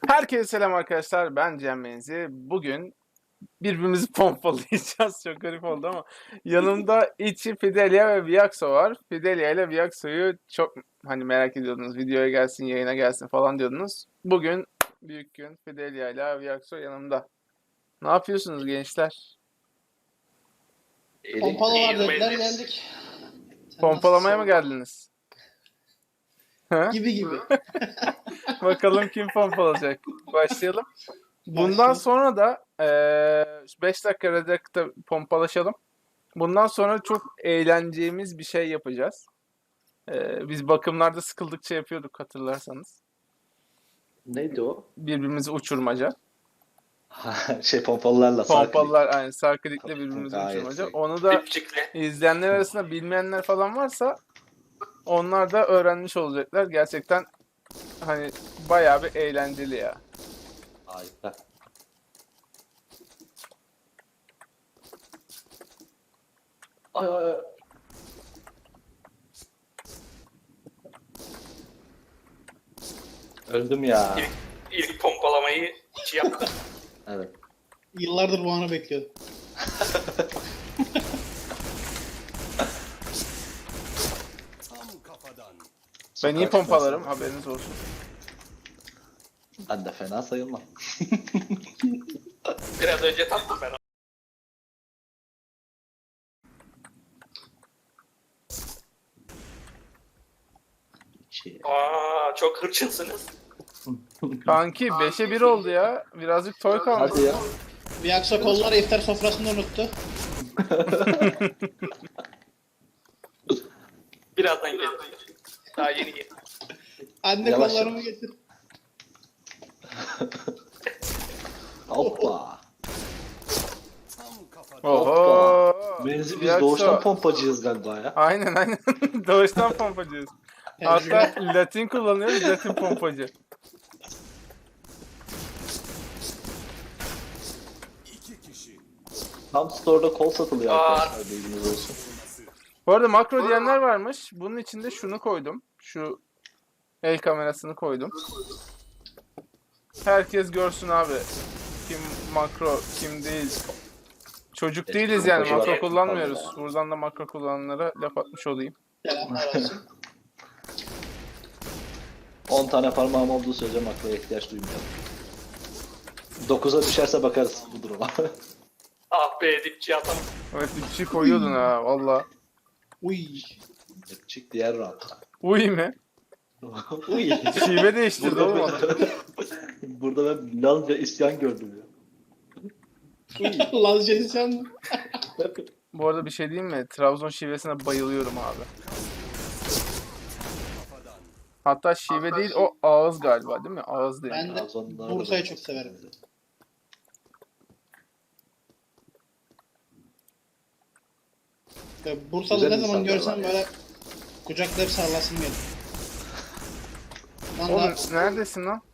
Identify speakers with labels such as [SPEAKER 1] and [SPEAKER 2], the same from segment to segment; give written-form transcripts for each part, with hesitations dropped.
[SPEAKER 1] Herkese selam arkadaşlar. Ben Cem Menzi. Bugün birbirimizi pompalayacağız. Çok garip oldu ama yanımda içi Fidelia ve Viaxo var. Fidelia ile Viaxo'yu çok merak ediyordunuz. Videoya gelsin, yayına gelsin falan diyordunuz. Bugün büyük gün. Fidelia ile Viaxo yanımda. Ne yapıyorsunuz gençler?
[SPEAKER 2] Pompalı var dediler
[SPEAKER 3] Eğilmeliyiz.
[SPEAKER 2] geldik. Sen
[SPEAKER 1] Pompalamaya mı
[SPEAKER 2] nasılsın?
[SPEAKER 1] geldiniz? Ha?
[SPEAKER 2] Gibi.
[SPEAKER 1] Bakalım kim pompalayacak. Başlayalım. Bundan
[SPEAKER 2] Başla.
[SPEAKER 1] sonra da 5 dakika Redact'ta pompalaşalım. Bundan sonra çok eğleneceğimiz bir şey yapacağız. Biz bakımlarda sıkıldıkça yapıyorduk hatırlarsanız.
[SPEAKER 3] Neydi o?
[SPEAKER 1] Birbirimizi uçurmaca.
[SPEAKER 3] Pompalılarla
[SPEAKER 1] Pompalılar aynı sarkıdikle birbirimizi
[SPEAKER 3] Gayet
[SPEAKER 1] uçurmaca.
[SPEAKER 3] iyi.
[SPEAKER 1] Onu da
[SPEAKER 3] Dipçikle.
[SPEAKER 1] izleyenler arasında bilmeyenler falan varsa onlar da öğrenmiş olacaklar. Gerçekten bayağı bir eğlenceli ya.
[SPEAKER 3] Harika. Ay ay ay. Öldüm ya.
[SPEAKER 4] İlk pompalamayı içi yaptı.
[SPEAKER 3] Evet.
[SPEAKER 2] Yıllardır bu anı bekliyordum.
[SPEAKER 1] Ben iyi
[SPEAKER 3] Sokak
[SPEAKER 1] pompalarım,
[SPEAKER 3] şurası.
[SPEAKER 1] haberiniz olsun.
[SPEAKER 3] Ben de fena sayılmam.
[SPEAKER 4] Biraz önce tattım ben onu. Çok hırçınsınız.
[SPEAKER 1] Kanki 5'e 1 oldu ya. Birazcık toy kalmış.
[SPEAKER 3] Hadi ya.
[SPEAKER 2] Bir aksa kollar iftar sofrasında unuttu.
[SPEAKER 4] Birazdan gelir. Daha yeni gelir.
[SPEAKER 2] Anne
[SPEAKER 3] Yavaş
[SPEAKER 2] kollarımı
[SPEAKER 3] yavaş.
[SPEAKER 2] getir.
[SPEAKER 3] Hoppa.
[SPEAKER 1] Oho.
[SPEAKER 3] Benzi biz
[SPEAKER 1] Yaksa-
[SPEAKER 3] doğuştan pompacıyız galiba ya.
[SPEAKER 1] Aynen. Doğuştan pompacıyız. Hatta Latin kullanıyoruz, Latin pompacı.
[SPEAKER 3] Tam store'da kol satılıyor
[SPEAKER 4] Aa.
[SPEAKER 3] arkadaşlar, bilginiz olsun.
[SPEAKER 1] Bu arada makro diyenler varmış. Bunun içinde şunu koydum. Şu el kamerasını koydum. Herkes görsün abi. Kim makro, kim değil. Çocuk değiliz yani, makro kullanmıyoruz. Buradan da makro kullananlara laf atmış olayım.
[SPEAKER 2] Selamlar olsun.
[SPEAKER 3] 10 tane parmağım olduğu sürece makroya ihtiyaç duymuyorum. 9'a düşerse bakarız bu duruma.
[SPEAKER 4] Ah be dipçi atam.
[SPEAKER 1] Evet, bir şey koyuyordun ha valla.
[SPEAKER 2] Uy.
[SPEAKER 3] Çık diğer round'a.
[SPEAKER 1] Uy mi?
[SPEAKER 3] Uy.
[SPEAKER 1] Şive değiştirdi oğlum adam.
[SPEAKER 3] Burada ben Lazca isyan gördüm ya.
[SPEAKER 2] Lazca insan mı?
[SPEAKER 1] Bu arada bir şey diyeyim mi? Trabzon şivesine bayılıyorum abi. Hatta şive değil, o ağız galiba değil mi? Ağız değil.
[SPEAKER 2] Ben de
[SPEAKER 3] Trabzonlular
[SPEAKER 2] Bursa'yı
[SPEAKER 3] da-
[SPEAKER 2] çok severim. Bursalı
[SPEAKER 3] Güzel
[SPEAKER 2] ne zaman
[SPEAKER 3] insanlar
[SPEAKER 2] görsem
[SPEAKER 3] var ya.
[SPEAKER 2] böyle kucaklayıp sarılasım gelir. Lan
[SPEAKER 1] Oğlum
[SPEAKER 2] da-
[SPEAKER 1] neredesin lan?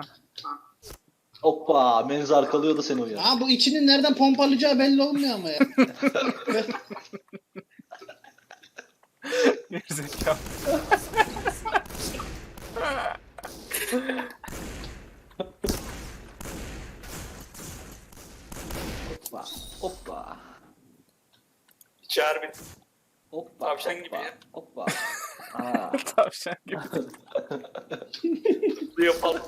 [SPEAKER 3] Hoppa, Menzi arkalıyordu seni o ya.
[SPEAKER 2] Aa, bu içinin nereden pompalayacağı belli olmuyor ama ya.
[SPEAKER 1] Gerizekalı.
[SPEAKER 3] Hoppa, hoppa,
[SPEAKER 4] Çağır bir.
[SPEAKER 3] hoppa,
[SPEAKER 4] Tavşan
[SPEAKER 3] hoppa,
[SPEAKER 4] gibi ya.
[SPEAKER 3] hoppa. Aa,
[SPEAKER 1] Tavşan gibi.
[SPEAKER 4] Bu yapalım.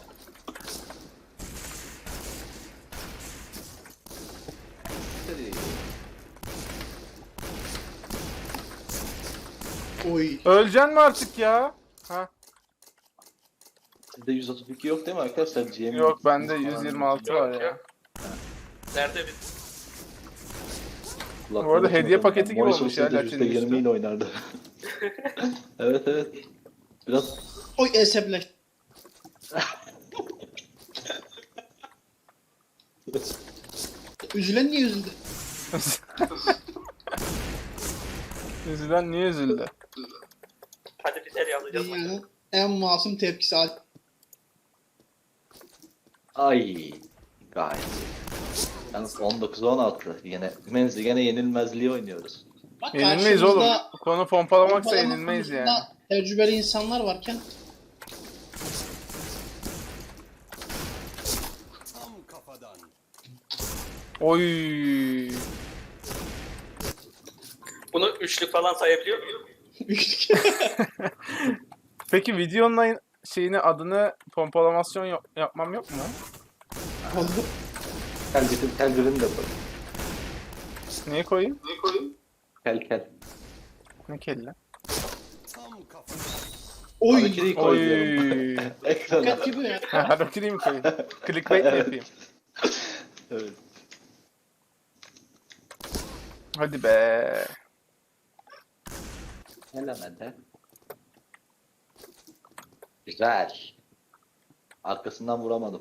[SPEAKER 2] Uy.
[SPEAKER 1] Öleceksin mi artık ya? Ha?
[SPEAKER 3] Sizde 132 yok değil mi arkadaşlar? GM
[SPEAKER 1] Yok, bende 126 var
[SPEAKER 4] Yok
[SPEAKER 1] ya.
[SPEAKER 4] yok. Nerede bir?
[SPEAKER 3] Kulaklığı
[SPEAKER 1] Bu arada
[SPEAKER 3] kim
[SPEAKER 1] hediye
[SPEAKER 3] atıyor?
[SPEAKER 1] paketi gibi
[SPEAKER 3] Morris
[SPEAKER 1] olmuş ya,
[SPEAKER 3] olsaydı
[SPEAKER 1] Latin'in
[SPEAKER 3] %20
[SPEAKER 1] üstü.
[SPEAKER 3] ile oynardı. Evet evet. Biraz
[SPEAKER 2] Oy esepleş. Üzülen niye üzüldü?
[SPEAKER 1] Üzülen niye üzüldü?
[SPEAKER 4] Hadi bir el alacağız.
[SPEAKER 2] Dünyanın en masum tepkisi.
[SPEAKER 3] ay gayet iyi. Yalnız 19-16 yine Menzi gene yenilmezliği oynuyoruz.
[SPEAKER 2] Bak,
[SPEAKER 1] Yenilmeyiz oğlum.
[SPEAKER 2] karşımızda
[SPEAKER 1] Bu konu pompalamaksa
[SPEAKER 2] pompalama
[SPEAKER 1] yenilmeyiz
[SPEAKER 2] konusunda
[SPEAKER 1] yani.
[SPEAKER 2] tecrübeli insanlar varken
[SPEAKER 1] Oy.
[SPEAKER 4] Bunu üçlük falan sayabiliyor muyum?
[SPEAKER 2] Üçlük.
[SPEAKER 1] Peki videonun şeyini adını pompalamasyon yapmam yok mu?
[SPEAKER 2] Oldu.
[SPEAKER 3] Kel de koy.
[SPEAKER 1] Niye koyayım?
[SPEAKER 3] Kel.
[SPEAKER 1] Ne kelle?
[SPEAKER 2] Oy.
[SPEAKER 3] Hareketi koy diyorum.
[SPEAKER 1] Oy.
[SPEAKER 3] Ekrana.
[SPEAKER 2] Dikkat gibi ya.
[SPEAKER 1] Hareketi mi koyayım? Clickbait mi
[SPEAKER 3] Evet.
[SPEAKER 1] yapayım?
[SPEAKER 3] Evet.
[SPEAKER 1] Hadi be.
[SPEAKER 3] Elemede. Güzel. Arkasından vuramadım.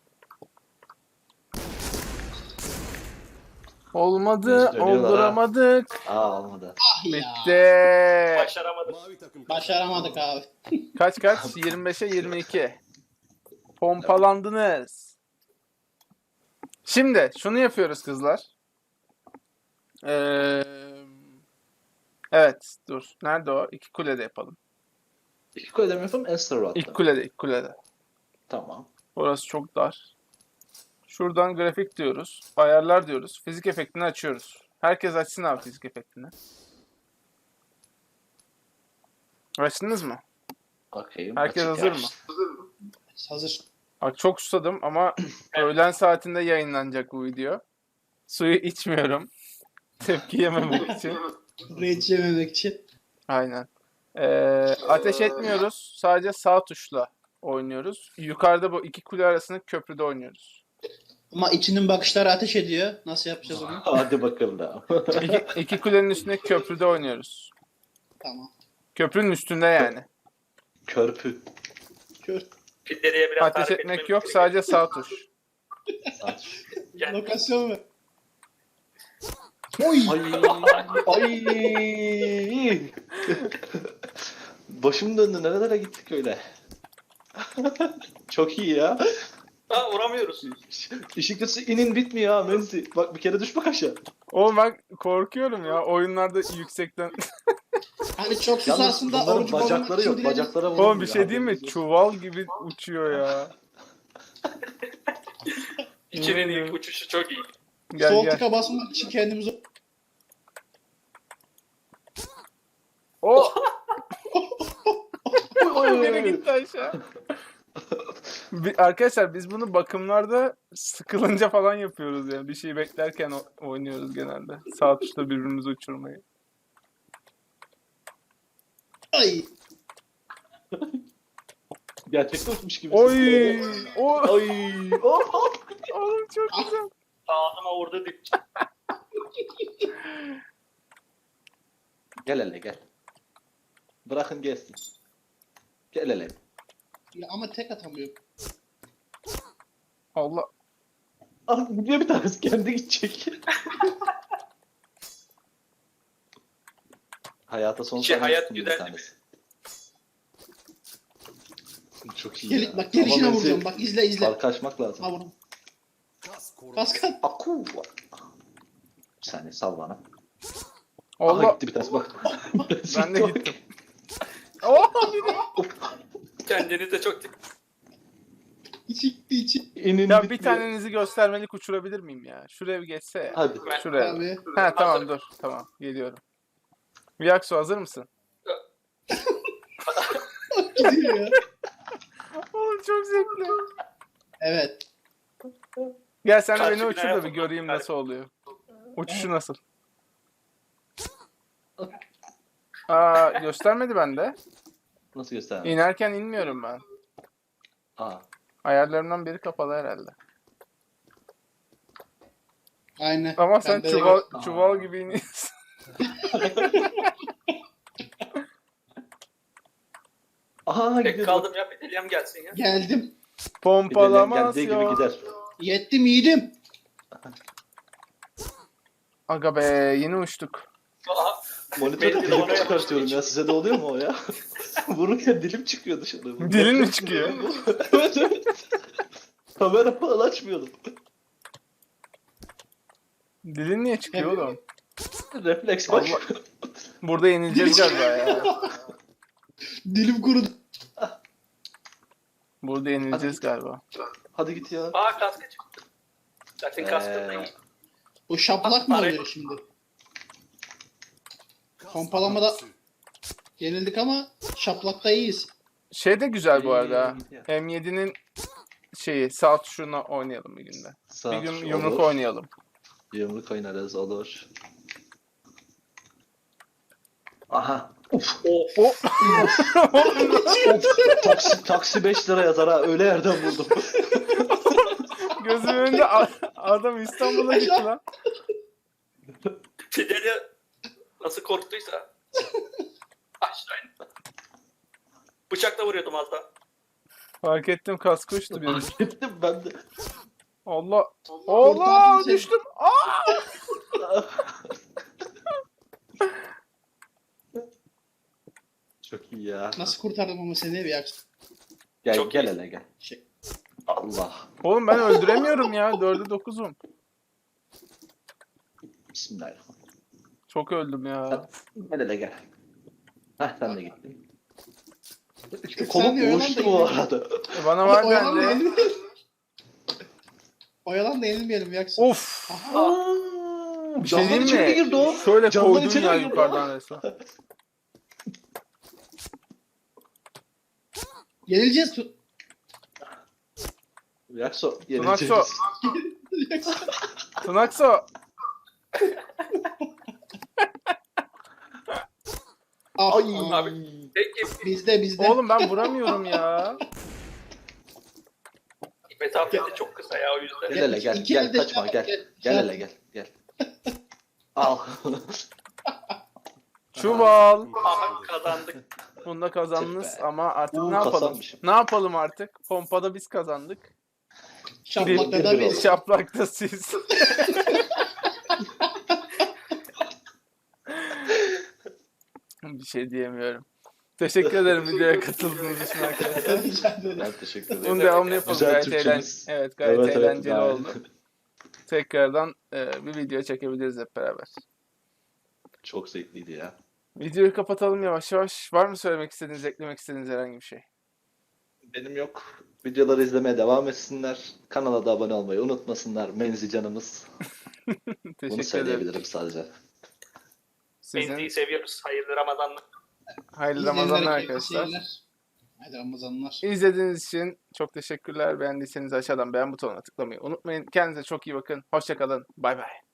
[SPEAKER 1] Olmadı,
[SPEAKER 3] Biz dönüyorlar ha.
[SPEAKER 1] olduramadık.
[SPEAKER 3] Olmadı.
[SPEAKER 2] Ah ya.
[SPEAKER 1] Bitti.
[SPEAKER 4] Başaramadım.
[SPEAKER 2] Başaramadık abi.
[SPEAKER 1] Kaç? 25'e 22. Pompalandınız. Şimdi şunu yapıyoruz kızlar. Evet, dur. Nerede o? İki kulede yapalım.
[SPEAKER 3] İki kule mi yapalım? Enster'ı
[SPEAKER 1] İlk kulede.
[SPEAKER 3] Tamam.
[SPEAKER 1] Orası çok dar. Şuradan grafik diyoruz. Ayarlar diyoruz. Fizik efektini açıyoruz. Herkes açsın abi fizik efektini. Açtınız mı?
[SPEAKER 3] Bakayım.
[SPEAKER 1] Herkes
[SPEAKER 3] açık
[SPEAKER 1] hazır
[SPEAKER 3] ya.
[SPEAKER 1] mı?
[SPEAKER 2] Hazır.
[SPEAKER 1] Bak çok susadım ama öğlen saatinde yayınlanacak bu video. Suyu içmiyorum. Tepki yememek için.
[SPEAKER 2] Rage yememek için.
[SPEAKER 1] Aynen. Ateş etmiyoruz. Sadece sağ tuşla oynuyoruz. Yukarıda bu iki kule arasında köprüde oynuyoruz.
[SPEAKER 2] Ama içinin bakışları ateş ediyor. Nasıl yapacağız onu?
[SPEAKER 3] Hadi bakalım da.
[SPEAKER 1] İki kulenin üstünde köprüde oynuyoruz.
[SPEAKER 2] Tamam.
[SPEAKER 1] Köprünün üstünde yani.
[SPEAKER 3] Körpü.
[SPEAKER 2] Kör.
[SPEAKER 4] Fideli'ye biraz
[SPEAKER 1] Ateş
[SPEAKER 4] tarif
[SPEAKER 1] etmek
[SPEAKER 4] etmemiz
[SPEAKER 1] yok.
[SPEAKER 4] gerekiyor.
[SPEAKER 1] Sadece sağ tuş.
[SPEAKER 4] Yani
[SPEAKER 2] Lokasyon mu? Oy.
[SPEAKER 3] Ay. Başım döndü. Nerelere gittik öyle? Çok iyi ya.
[SPEAKER 4] vuramıyoruz.
[SPEAKER 3] İşin kötüsü inin bitmiyor ha Menzi. Bak bir kere düş bak aşağı.
[SPEAKER 1] Oğlum ben korkuyorum ya. Oyunlarda yüksekten.
[SPEAKER 2] Hani çok
[SPEAKER 3] Yalnız
[SPEAKER 2] susasında
[SPEAKER 3] bunların
[SPEAKER 2] orucu bozmak
[SPEAKER 3] bacakları
[SPEAKER 2] için
[SPEAKER 3] yok.
[SPEAKER 2] dilerim.
[SPEAKER 3] Bacaklara vuramıyor.
[SPEAKER 1] Oğlum bir şey diyeyim mi?
[SPEAKER 3] haberiniz olsun.
[SPEAKER 1] Çuval gibi uçuyor ya.
[SPEAKER 4] İkinin ilk uçuşu çok iyi.
[SPEAKER 1] Gel
[SPEAKER 2] Sol
[SPEAKER 1] gel.
[SPEAKER 2] tıka basmak için kendimizi...
[SPEAKER 1] Oh!
[SPEAKER 3] Oy,
[SPEAKER 1] Biri gitti aşağı. Arkadaşlar biz bunu bakımlarda sıkılınca falan yapıyoruz yani. Bir şey beklerken oynuyoruz genelde. Sağ tuşla birbirimizi uçurmayı.
[SPEAKER 3] Ay. Gerçekten uçmuş gibi.
[SPEAKER 1] Oy! Oy!
[SPEAKER 3] Ay. Oh.
[SPEAKER 1] Oğlum çok güzel.
[SPEAKER 4] Ağzıma vurdu dip.
[SPEAKER 3] Gel hele gel. Bırakın gelsin. Gel hele.
[SPEAKER 2] Ya ama tek atamıyorum.
[SPEAKER 1] Allah.
[SPEAKER 3] Ah gidiyor bir tanesi kendi gidecek. Hayata son
[SPEAKER 4] Şey,
[SPEAKER 3] sahne
[SPEAKER 4] hayat
[SPEAKER 3] tuttum bir
[SPEAKER 4] güzel.
[SPEAKER 3] tanesi. Çok iyi
[SPEAKER 2] Gel,
[SPEAKER 3] ya.
[SPEAKER 2] bak gelişine
[SPEAKER 3] Ama
[SPEAKER 2] vuracağım.
[SPEAKER 3] Menzi,
[SPEAKER 2] Bak izle izle.
[SPEAKER 3] farkı açmak lazım.
[SPEAKER 2] Ha vurdum. Kaskat.
[SPEAKER 3] Aku. Bir saniye sal bana. Aha
[SPEAKER 1] Allah.
[SPEAKER 3] gitti bir tanesi bak.
[SPEAKER 1] Ben de gittim. Oh!
[SPEAKER 4] Kendini de çok
[SPEAKER 2] İçi.
[SPEAKER 3] İnin
[SPEAKER 1] Ya bir
[SPEAKER 3] bitmiyor.
[SPEAKER 1] tanenizi göstermelik uçurabilir miyim ya? Şuraya bir geçse ya.
[SPEAKER 3] Hadi.
[SPEAKER 1] Şuraya.
[SPEAKER 2] Abi.
[SPEAKER 1] Ha tamam dur. Tamam geliyorum. Viyaksu hazır mısın?
[SPEAKER 2] Gidiyor ya.
[SPEAKER 1] Oğlum çok zevkli.
[SPEAKER 2] Evet.
[SPEAKER 1] Gel sen de
[SPEAKER 4] Karşı
[SPEAKER 1] beni uçur
[SPEAKER 4] binaya
[SPEAKER 1] da bir göreyim
[SPEAKER 4] fırlat.
[SPEAKER 1] nasıl oluyor. Uçuşu nasıl? Aa göstermedi bende.
[SPEAKER 3] Nasıl göstereyim?
[SPEAKER 1] İnerken inmiyorum ben.
[SPEAKER 3] Aa.
[SPEAKER 1] Ayarlarımdan biri kapalı herhalde.
[SPEAKER 2] Aynen.
[SPEAKER 1] Ama sen
[SPEAKER 2] Bende de
[SPEAKER 1] çuval,
[SPEAKER 2] yok.
[SPEAKER 1] çuval gibi iniyorsun.
[SPEAKER 3] Aha
[SPEAKER 4] tek
[SPEAKER 3] gidiyor.
[SPEAKER 4] kaldım ya. Fideli'm gelsin ya.
[SPEAKER 2] Geldim.
[SPEAKER 3] Geldiği gibi
[SPEAKER 1] Pompalamasyon.
[SPEAKER 3] gider.
[SPEAKER 2] Yettim yiğidim.
[SPEAKER 1] Aga be yeni uçtuk.
[SPEAKER 4] Aha,
[SPEAKER 3] Monitörü
[SPEAKER 4] Beni de
[SPEAKER 3] dilim
[SPEAKER 4] oraya
[SPEAKER 3] çıkartıyorum ya. Size de oluyor mu o ya? Vururken dilim çıkıyor dışarı.
[SPEAKER 1] Dilin mi çıkıyor?
[SPEAKER 3] Evet evet. Kamera falan açmıyordum.
[SPEAKER 1] Dilin niye çıkıyor oğlum?
[SPEAKER 3] Refleks bak.
[SPEAKER 1] Allah. Burada yenileceğiz galiba ya.
[SPEAKER 2] Dilim kurudu.
[SPEAKER 1] Burada yenileceğiz galiba.
[SPEAKER 3] Hadi git ya.
[SPEAKER 4] kaskı çıktı. Zaten kaskı da iyi.
[SPEAKER 2] Bu şaplak mı
[SPEAKER 4] Para-
[SPEAKER 2] oluyor şimdi? Pompalamada yenildik ama şaplakta iyiyiz.
[SPEAKER 1] Şey de güzel bu arada.
[SPEAKER 3] İyi, iyi.
[SPEAKER 1] M7'nin şeyi sağ tuşuna oynayalım bir günde.
[SPEAKER 3] Sağ
[SPEAKER 1] Bir gün
[SPEAKER 3] tuş
[SPEAKER 1] yumruk
[SPEAKER 3] olur.
[SPEAKER 1] oynayalım.
[SPEAKER 3] Yumruk oynarız olur. Aha.
[SPEAKER 4] Of.
[SPEAKER 3] Taksi 5 lira yazar ha. Öyle yerden buldum.
[SPEAKER 1] Gözümün önünde adam İstanbul'a gitti lan.
[SPEAKER 4] Fidelya nasıl korktuysa. Aşağı in. Bıçakla vuruyordum az daha.
[SPEAKER 1] Fark ettim kaskı uçtu benim.
[SPEAKER 3] Gittim ben de.
[SPEAKER 1] Allah.
[SPEAKER 2] Kurtardın
[SPEAKER 1] Allah
[SPEAKER 2] seni.
[SPEAKER 1] düştüm. Aa!
[SPEAKER 3] Çok iyi ya.
[SPEAKER 2] Nasıl kurtardım ama seni bir aksi.
[SPEAKER 3] Gel
[SPEAKER 4] Çok
[SPEAKER 3] gel
[SPEAKER 4] iyi.
[SPEAKER 3] hele gel.
[SPEAKER 2] Şey.
[SPEAKER 3] Allah.
[SPEAKER 1] Oğlum ben öldüremiyorum ya. 4'e 9'um.
[SPEAKER 3] Bismillahirrahmanirrahim.
[SPEAKER 1] Çok öldüm ya.
[SPEAKER 3] Gel hele gel. Heh sen de gittin.
[SPEAKER 2] Kırk
[SPEAKER 3] Kolum
[SPEAKER 2] saniye oyalan
[SPEAKER 3] uyuştu
[SPEAKER 2] da
[SPEAKER 3] bu
[SPEAKER 2] yenilmeyelim.
[SPEAKER 3] arada.
[SPEAKER 1] Bana var
[SPEAKER 2] Oyalan da
[SPEAKER 1] dendi.
[SPEAKER 2] yenilmeyelim. Oyalan da yenilmeyelim bir aksi.
[SPEAKER 1] Of. Bir şey
[SPEAKER 3] Camdan içeri
[SPEAKER 1] diyeyim
[SPEAKER 3] girdi
[SPEAKER 1] mi?
[SPEAKER 3] o.
[SPEAKER 1] Şöyle
[SPEAKER 3] Camdan
[SPEAKER 1] koydun
[SPEAKER 3] içeri
[SPEAKER 1] ya
[SPEAKER 3] girdi o.
[SPEAKER 1] yukarıdan resmen.
[SPEAKER 2] Yenileceğiz.
[SPEAKER 3] Yakso
[SPEAKER 1] Tunakso.
[SPEAKER 3] yenileceğiz.
[SPEAKER 1] Tunakso.
[SPEAKER 2] Ah,
[SPEAKER 3] Ay.
[SPEAKER 2] ah.
[SPEAKER 4] Peki
[SPEAKER 2] Bizde.
[SPEAKER 1] Oğlum ben vuramıyorum ya.
[SPEAKER 4] mesafesi çok kısa ya o yüzden.
[SPEAKER 3] Gel hele gel.
[SPEAKER 2] İki
[SPEAKER 3] Gel
[SPEAKER 2] elde
[SPEAKER 3] kaçma
[SPEAKER 2] şey
[SPEAKER 3] gel.
[SPEAKER 2] yap,
[SPEAKER 3] Gel hele gel. Gel. Al.
[SPEAKER 1] Çuval.
[SPEAKER 4] Aha kazandık.
[SPEAKER 1] Bunda kazandınız
[SPEAKER 3] Tüh be.
[SPEAKER 1] ama artık ne yapalım?
[SPEAKER 3] Kazanmışım.
[SPEAKER 1] Ne yapalım artık? Pompada biz kazandık.
[SPEAKER 2] Şaplakta da
[SPEAKER 3] Bir-
[SPEAKER 2] biz.
[SPEAKER 1] Şaplakta siz. Bir şey diyemiyorum. Teşekkür ederim videoya katıldığınız için arkadaşlar.
[SPEAKER 2] Rica ederim.
[SPEAKER 3] Ben teşekkür
[SPEAKER 1] Bunun
[SPEAKER 3] ederim.
[SPEAKER 1] devamını yapalım.
[SPEAKER 3] Güzel
[SPEAKER 1] Gayet,
[SPEAKER 3] Türkçemiz.
[SPEAKER 1] evet, gayet
[SPEAKER 3] Evet, evet,
[SPEAKER 1] eğlenceli
[SPEAKER 3] gayet.
[SPEAKER 1] oldu. Tekrardan bir video çekebiliriz hep beraber.
[SPEAKER 3] Çok zevkliydi ya.
[SPEAKER 1] Videoyu kapatalım yavaş yavaş. Var mı söylemek istediğiniz, eklemek istediğiniz herhangi bir şey?
[SPEAKER 3] Benim yok. Videoları izlemeye devam etsinler. Kanala da abone olmayı unutmasınlar. Menzi canımız. Bunu
[SPEAKER 1] Teşekkür ederim.
[SPEAKER 3] söyleyebilirim sadece.
[SPEAKER 1] Sizin
[SPEAKER 4] Menzi'yi seviyoruz. Hayırlı Ramazanlar.
[SPEAKER 1] hayırlı
[SPEAKER 2] İzleyenlere
[SPEAKER 1] Ramazanlar
[SPEAKER 2] keyifli
[SPEAKER 1] arkadaşlar.
[SPEAKER 2] seyirler. Hadi Ramazanlar.
[SPEAKER 1] İzlediğiniz için çok teşekkürler. Beğendiyseniz aşağıdan beğen butonuna tıklamayı unutmayın. Kendinize çok iyi bakın. Hoşça kalın. Bay bay.